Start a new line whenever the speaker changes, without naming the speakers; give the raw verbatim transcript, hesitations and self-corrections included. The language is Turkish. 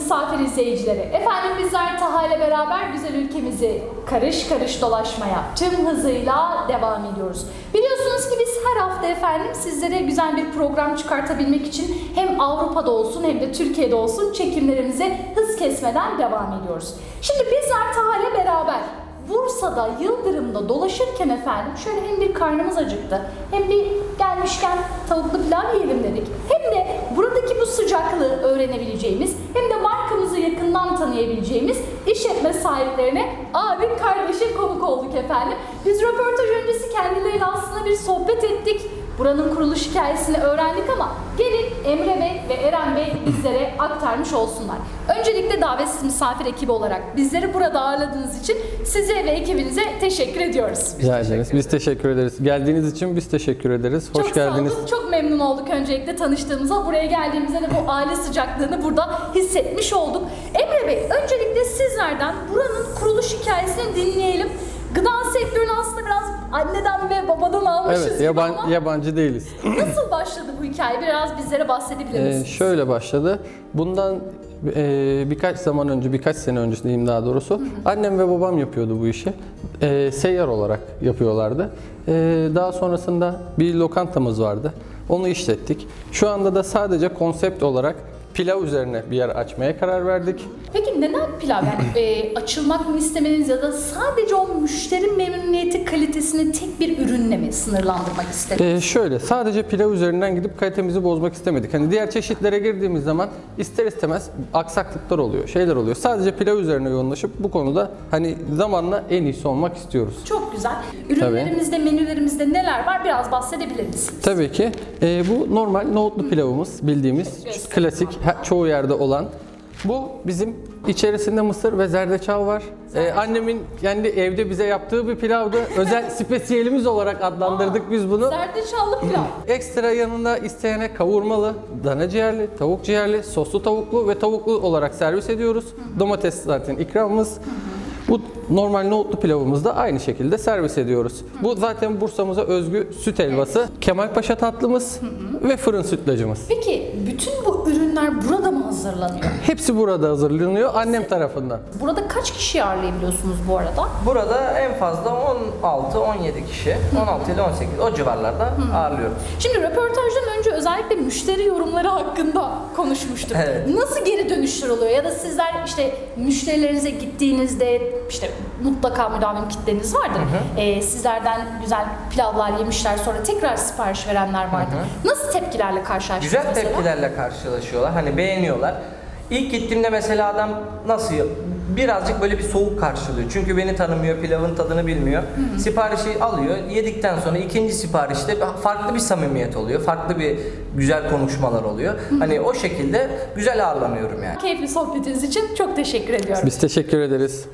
misafir izleyicileri. Efendim bizler Taha ile beraber güzel ülkemizi karış karış dolaşmaya tüm hızıyla devam ediyoruz. Biliyorsunuz ki biz her hafta efendim sizlere güzel bir program çıkartabilmek için hem Avrupa'da olsun hem de Türkiye'de olsun çekimlerimize hız kesmeden devam ediyoruz. Şimdi bizler Taha ile beraber Bursa'da, Yıldırım'da dolaşırken efendim şöyle hem bir karnımız acıktı hem bir gelmişken tavuklu pilav yiyelim dedik. Hem de buradaki bu sıcaklığı öğrenebileceğimiz hem de markamızı yakından tanıyabileceğimiz işletme sahiplerine abi kardeşe konuk olduk efendim. Biz röportaj öncesi kendileriyle aslında bir sohbet ettik. Buranın kuruluş hikayesini öğrendik ama gelin Emre Bey ve Eren Bey bizlere aktarmış olsunlar. Öncelikle davetsiz misafir ekibi olarak bizleri burada ağırladığınız için size ve ekibinize teşekkür ediyoruz.
Rica ederiz. Biz teşekkür ederiz. Geldiğiniz için biz teşekkür ederiz. Hoş
çok
geldiniz.
Sağ olun. Çok memnun olduk öncelikle tanıştığımıza. Buraya geldiğimizde de bu aile sıcaklığını burada hissetmiş olduk. Emre Bey, öncelikle sizlerden buranın kuruluş hikayesini dinleyelim. Gıda sektörünü aslında biraz anneden ve babadan almışız
Evet,
gibi
yaban,
ama
yabancı değiliz.
nasıl başladı bu hikaye? Biraz bizlere bahsedebilir misiniz?
Ee, şöyle başladı. Bundan e, birkaç zaman önce, birkaç sene önce diyeyim daha doğrusu, hı hı. annem ve babam yapıyordu bu işi. E, seyyar olarak yapıyorlardı. E, daha sonrasında bir lokantamız vardı. Onu işlettik. Şu anda da sadece konsept olarak pilav üzerine bir yer açmaya karar verdik.
Peki neden pilav? Yani e, açılmak mı istemeniz ya da sadece o müşteri memnuniyeti kalitesini tek bir ürünle mi sınırlandırmak istediniz?
Ee, şöyle, sadece pilav üzerinden gidip kalitemizi bozmak istemedik. Hani diğer çeşitlere girdiğimiz zaman ister istemez aksaklıklar oluyor, şeyler oluyor. Sadece pilav üzerine yoğunlaşıp bu konuda hani zamanla en iyisi olmak istiyoruz.
Çok güzel. Ürünlerimizde, Tabii. menülerimizde neler var? Biraz bahsedebilir misiniz?
Tabii ki. Ee, bu normal nohutlu pilavımız, bildiğimiz klasik, çoğu yerde olan. Bu bizim içerisinde mısır ve zerdeçal var. Ee, annemin kendi evde bize yaptığı bir pilavdı. Özel spesiyelimiz olarak adlandırdık Aa, biz bunu.
Zerdeçallı pilav.
Ekstra yanında isteyene kavurmalı, dana ciğerli, tavuk ciğerli, soslu tavuklu ve tavuklu olarak servis ediyoruz. Hı hı. Domates zaten ikramımız. Hı hı. Bu normal nohutlu pilavımızı da aynı şekilde servis ediyoruz. Hı. Bu zaten Bursa'mıza özgü süt helvası, evet. Kemalpaşa tatlımız hı hı. ve fırın sütlacımız.
Peki bütün bu ürünler burada mı hazırlanıyor?
Hepsi burada hazırlanıyor annem tarafından.
Burada kaç kişi ağırlayabiliyorsunuz bu arada?
Burada en fazla on altı on yedi kişi, on altı ile on sekiz o civarlarda hı. ağırlıyoruz.
Şimdi röportajdan önce özellikle müşteri yorumları hakkında konuşmuştuk.
Evet.
Nasıl geri dönüşler oluyor ya da sizler işte müşterilerinize gittiğinizde işte mutlaka müdavim kitleniz vardır. Hı hı. Ee, sizlerden güzel pilavlar yemişler sonra tekrar sipariş verenler vardır. Hı hı. Nasıl tepkilerle karşılaştınız
Güzel
mesela?
tepkilerle karşılaşıyorlar. Hani beğeniyorlar. İlk gittiğimde mesela adam nasıl birazcık böyle bir soğuk karşılıyor. Çünkü beni tanımıyor, pilavın tadını bilmiyor. Hı hı. Siparişi alıyor. Yedikten sonra ikinci siparişte farklı bir samimiyet oluyor. Farklı bir güzel konuşmalar oluyor. Hı hı. Hani o şekilde güzel ağırlanıyorum yani.
Keyifli sohbetiniz için çok teşekkür ediyorum.
Biz teşekkür ederiz.